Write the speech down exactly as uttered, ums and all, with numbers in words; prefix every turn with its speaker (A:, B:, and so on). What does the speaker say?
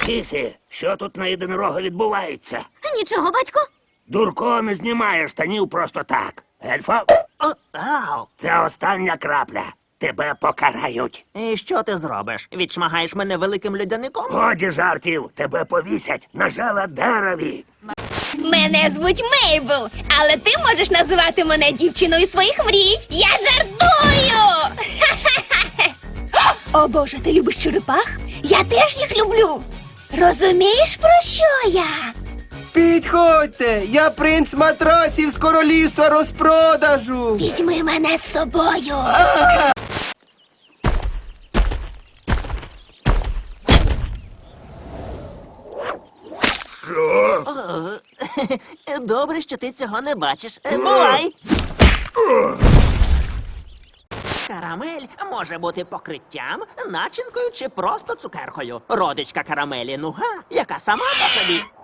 A: Кисі, що тут на єдинорога відбувається?
B: Нічого, батько.
A: Дурко не знімає штанів просто так. Ельфо,
C: О, ау!
A: це остання крапля. Тебе покарають.
C: І що ти зробиш? Відшмагаєш мене великим льодяником?
A: Годі жартів, тебе повісять на жала дереві.
D: Мене звуть Мейбл, але ти можеш називати мене дівчиною своїх мрій. Я жартую! О, Боже, ти любиш черепах? Я теж їх люблю. Розумієш, про що я?
E: Підходьте! Я принц матраців з королівства розпродажу!
D: Візьми мене з собою.
C: Добре, що ти цього не бачиш. Е, Бувай! Карамель може бути покриттям, начинкою чи просто цукеркою. Родичка карамелі нуга, яка сама по собі